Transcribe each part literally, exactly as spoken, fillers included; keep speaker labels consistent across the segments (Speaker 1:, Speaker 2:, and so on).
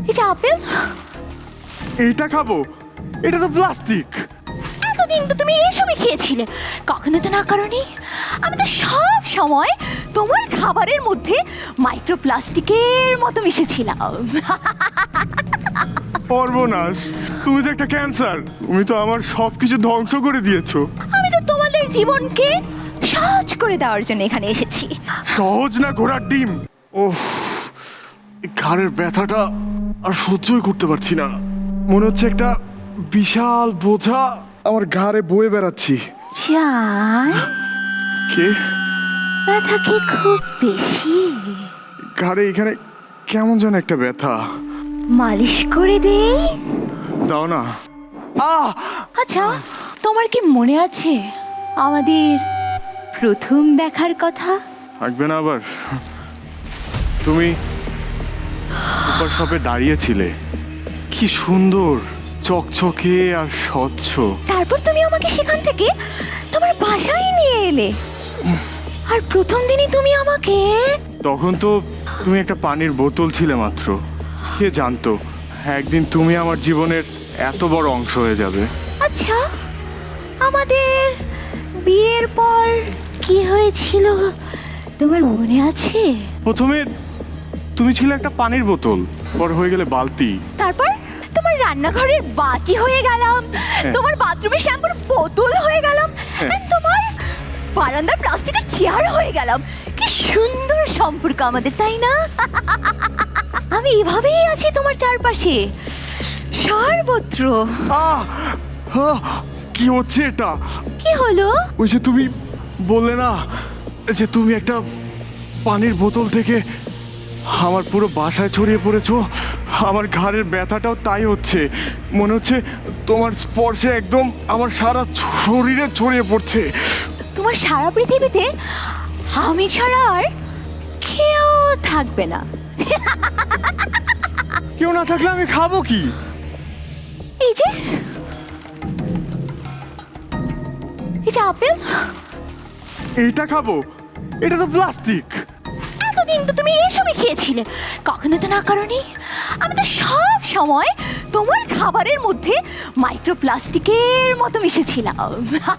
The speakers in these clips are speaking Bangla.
Speaker 1: এটা আপেল।
Speaker 2: এটা খাবো? এটা তো প্লাস্টিক।
Speaker 1: এতদিন তো তুমি এসবই খেয়েছিলে, কখনো তো না করনি। আমি তো সব সময় তোমার খাবারের মধ্যে মাইক্রোপ্লাস্টিকের মতো মিশেছিলাম।
Speaker 2: সর্বনাশ, তুমি তো একটা ক্যান্সার। তুমি তো আমার সবকিছু ধ্বংস করে দিয়েছো।
Speaker 1: আমি তো তোমাদের জীবনকে সহজ করে দেওয়ার জন্য এখানে এসেছি।
Speaker 2: সহজ না ঘোড়ার ডিম। ওহ, এই ঘাড়ের ব্যথাটা আর সহ্যই করতে পারছি না। মনে হচ্ছে একটা বিশাল বোঝা আমার ঘাড়ে বয়ে বেড়াচ্ছি।
Speaker 1: চাই
Speaker 2: কে?
Speaker 1: ব্যথা কি খুব বেশি?
Speaker 2: ঘাড়ে এখানে কেমন যেন একটা ব্যথা।
Speaker 1: মালিশ করে দেই?
Speaker 2: দাও না। আহ!
Speaker 1: আচ্ছা, তোমার কি মনে আছে আমাদের প্রথম দেখার কথা?
Speaker 2: থাকবে না আবার? তুমি সুপার শপে দাঁড়িয়েছিলে, কি সুন্দর চকচকে আর স্বচ্ছ।
Speaker 1: তারপর তুমি আমাকে সেখান থেকে তোমার বাসায় নিয়ে এলে, আর প্রথম দিনই তুমি আমাকে।
Speaker 2: তখন তো তুমি একটা পানির বোতল ছিলে মাত্র। কে জানতো একদিন তুমি আমার জীবনের এত বড় অংশ হয়ে যাবে।
Speaker 1: আচ্ছা, আমাদের বিয়ের পর কি হয়েছিল তোমার মনে আছে?
Speaker 2: প্রথমে তুমি ছিলে একটা পানির বোতল, পর হয়ে গেলে বালতি।
Speaker 1: তারপর তোমার রান্নাঘরের বাটি হয়ে গেলাম, তোমার বাথরুমের শ্যাম্পুর বোতল হয়ে গেলাম, আর তোমার বারান্দার প্লাস্টিকের চেয়ার হয়ে গেলাম। কি সুন্দর সম্পর্ক আমাদের, তাই না? আমি এভাবেই আছি তোমার চারপাশে, সর্বত্র।
Speaker 2: আহ! আহ! কি হচ্ছে এটা?
Speaker 1: কি হলো?
Speaker 2: ওই যে তুমি বললে না যে তুমি একটা পানির বোতল থেকে আমার পুরো বাসায় ছড়িয়ে পড়েছো, আমার ঘাড়ের ব্যথাটাও তাই হচ্ছে। মনে হচ্ছে তোমার স্পর্শে একদম আমার সারা শরীরে ছড়িয়ে পড়ছে।
Speaker 1: তোমার সারা পৃথিবীতে আমি ছাড়া আর কেউ থাকবে না।
Speaker 2: কেউ না থাকলে আমি খাবো কি?
Speaker 1: এই যে এই যে আপেল।
Speaker 2: এইটা খাবো? এটা তো প্লাস্টিক।
Speaker 1: এতদিন তো তুমি এসবই খেয়েছিলে, কখনো তো না করনি। আমি তো সব সময় তোমার খাবারের মধ্যে মাইক্রোপ্লাস্টিকের মতো মিশেছিলাম।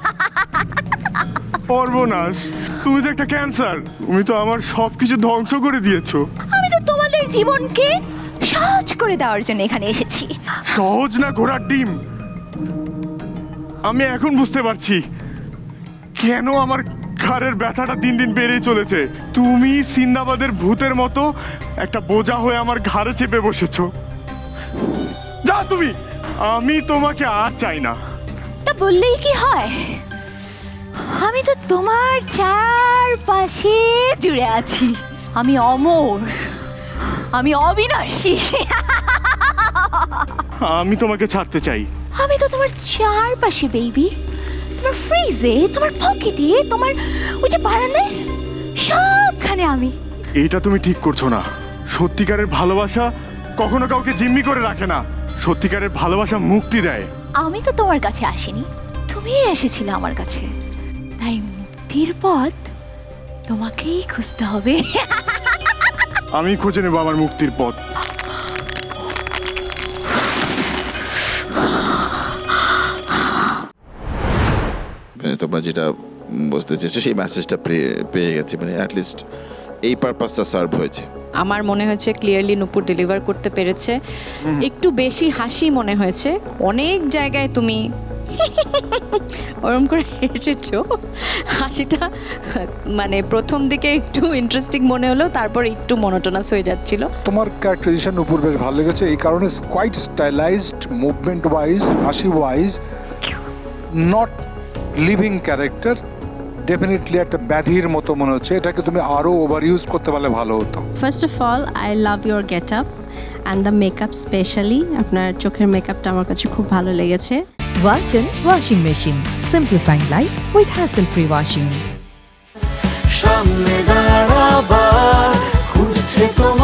Speaker 2: সর্বনাশ, তুমি তো একটা ক্যান্সার। তুমি তো আমার সবকিছু ধ্বংস করে দিয়েছো।
Speaker 1: আমি তো তোমাদের জীবনকে সহজ করে দেওয়ার জন্য এখানে এসেছি।
Speaker 2: সহজ না ঘোড়ার ডিম। আমি এখন বুঝতে পারছি কেন আমার ঘাড়ের ব্যথাটা দিন দিন বেড়েই চলেছে। তুমি সিন্দাবাদের ভূতের মতো একটা বোঝা হয়ে আমার ঘাড়ে চেপে বসেছো। যা তুমি, আমি তোমাকে আর চাই না।
Speaker 1: তা বললেই কি হয়? আমি তো তোমার চারপাশে জুড়ে আছি। আমি অমর, আমি অবিনাশী।
Speaker 2: আমি তোমাকে ছাড়তে চাই।
Speaker 1: আমি তো তোমার চারপাশে বেবি, তোমার ফ্রিজে, তোমার পকেটে, তোমার ওই যে বারান্দায়, সবখানে আমি।
Speaker 2: এইটা তুমি ঠিক করছো না। সত্যিকারের ভালোবাসা কখনো কাউকে জিম্মি করে রাখে না। সত্যিকারের ভালোবাসা মুক্তি দেয়।
Speaker 1: আমি তো তোমার কাছে আসিনি, তুমি এসেছিলে আমার কাছে। তাই মুক্তির পথ তোমাকেই খুঁজতে হবে।
Speaker 2: আমি খুঁজে নেবো আমার মুক্তির পথ।
Speaker 3: তোমরা যেটা বুঝতে চেয়েছো সেই মেসেজটা পেয়ে গেছি, মানে অ্যাটলিস্ট এই পারপাসটা সার্ভ হয়েছে।
Speaker 4: আমার মনে হয়েছে ক্লিয়ারলি নূপুর ডেলিভার করতে পেরেছে। একটু বেশি হাসি মনে হয়েছে, অনেক জায়গায় তুমি ওরম করে হেসেছো। হাসিটা মানে প্রথম দিকে একটু ইন্টারেস্টিং মনে হলো, তারপর একটু মনোটোনাস হয়ে যাচ্ছিল।
Speaker 5: তোমার ক্যারেক্টারাইজেশন উপর বেশ ভালো লেগেছে, এই কারণে কোয়াইট স্টাইলাইজড, মুভমেন্ট ওয়াইজ, হাসি wise, not living character. Definitely একটা ব্যাধির মতো মনে হচ্ছে। এটাকে তুমি আরও ওভার ইউজ করতে পারলে ভালো হতো।
Speaker 6: First of all I love your get up and the makeup, specially আপনার চোখের মেকআপটা আমার কাছে খুব ভালো লেগেছে।
Speaker 7: Walton Washing Machine. Simplifying life with hassle-free washing.
Speaker 8: সামনে দাঁড়াবার খুঁজছে তোমার